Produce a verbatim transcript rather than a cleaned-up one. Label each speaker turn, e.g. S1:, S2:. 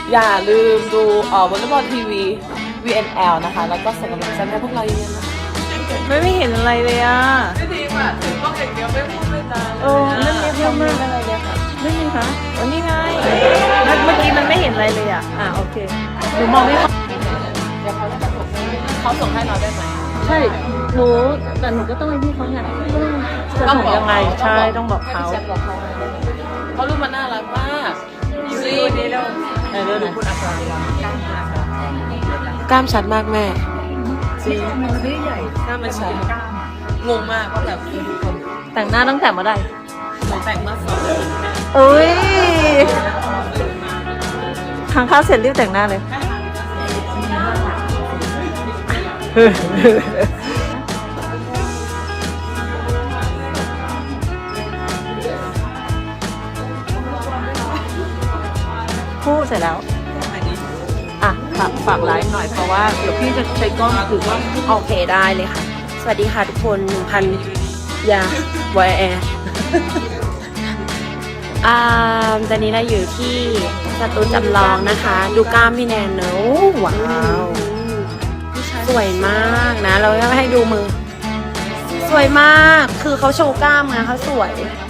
S1: อย่าลืมดูเอ่อวอลเลย์บอลทีวี วี เอ็น แอล นะคะแล้วก็ส่งกำลังใจให้พวกเราเยอะๆนะคะ
S2: ไม่ไม่เห็นอะไรเลยอ่ะ
S1: ไม่ดีอ่ะถึงต้องอย่างเดียวไม่พูดไม่จา
S2: เออไม่มีเยอะมากอะไรเลยค่ะไม่มีคะวันนี้ไงเมื่อกี้มันไม่เห็นอะไรเลยอ่ะอ่ะโอเคหนูมองไม่ค่อย
S1: เดี๋ยวเขาจะส่งเขาส่งให้เราได้ไหม
S2: ใช่หนูแต่หนูก็ต้องให้พี่เขาไงจะส่งยังไงใช่ต้องบอกเขา
S1: เขารูปมันน่ารักมากซีดีแล้วเออดูคุณอัศรกล้ามชัดมากแม่จริงมันไม่ใหญ่กล้ามมันชัดงงมากว่าแบบ
S2: แต่งหน้าตั้งแต่เมื่อไหร่
S1: หนูแต่งมาสองเดือน
S2: เอ้ยทางข้าวเสร็จรีบแต่งหน้าเลยพูดเสร็จแล้วอ่ะฝากฝากไลฟ์หน่อยเพราะว่าเดี๋ยวพี่จะใช้กล้องถือกล้อง
S3: โอเคได้เลยค่ะสวัสดีค่ะทุกคนหนึ่งพันยาวายแอร์อ่าตอนนี้เราอยู่ที่สตูจำลองนะคะดูกล้ามพี่แนนเนอะว้าวสวยมากนะเราจะให้ดูมือสวยมากคือเขาโชว์กล้ามไงเขาสวย